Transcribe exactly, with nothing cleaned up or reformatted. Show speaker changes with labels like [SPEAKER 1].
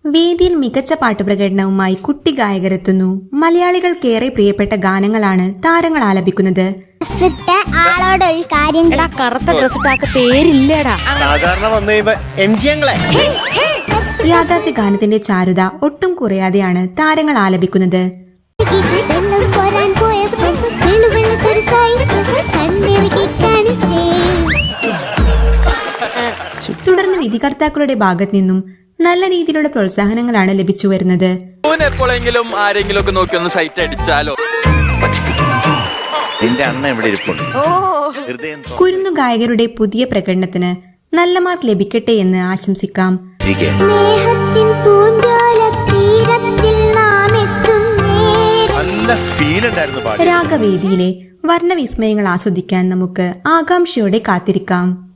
[SPEAKER 1] വേദിയിൽ മികച്ച പാട്ടുപ്രകടനവുമായി കുട്ടി ഗായകരെത്തുന്നു. മലയാളികൾക്കേറെ പ്രിയപ്പെട്ട ഗാനങ്ങളാണ് താരങ്ങൾ ആലപിക്കുന്നത്. യാഥാർത്ഥ്യ ഗാനത്തിന്റെ ചാരുത ഒട്ടും കുറയാതെയാണ് താരങ്ങൾ ആലപിക്കുന്നത്. തുടർന്ന് വിധികർത്താക്കളുടെ ഭാഗത്തു നിന്നും നല്ല രീതിയിലുള്ള പ്രോത്സാഹനങ്ങളാണ് ലഭിച്ചു വരുന്നത്.
[SPEAKER 2] എപ്പോഴെങ്കിലും ആരെങ്കിലും ഒക്കെ നോക്കി ഒന്ന് സൈറ്റ് അടിച്ചാലോ?
[SPEAKER 1] കുരുന്നു ഗായകരുടെ പുതിയ പ്രകടനത്തിന് നല്ല മാർക്ക് ലഭിക്കട്ടെ എന്ന് ആശംസിക്കാം. രാഗവേദിയിലെ വർണ്ണവിസ്മയങ്ങൾ ആസ്വദിക്കാൻ നമുക്ക് ആകാംക്ഷയോടെ കാത്തിരിക്കാം.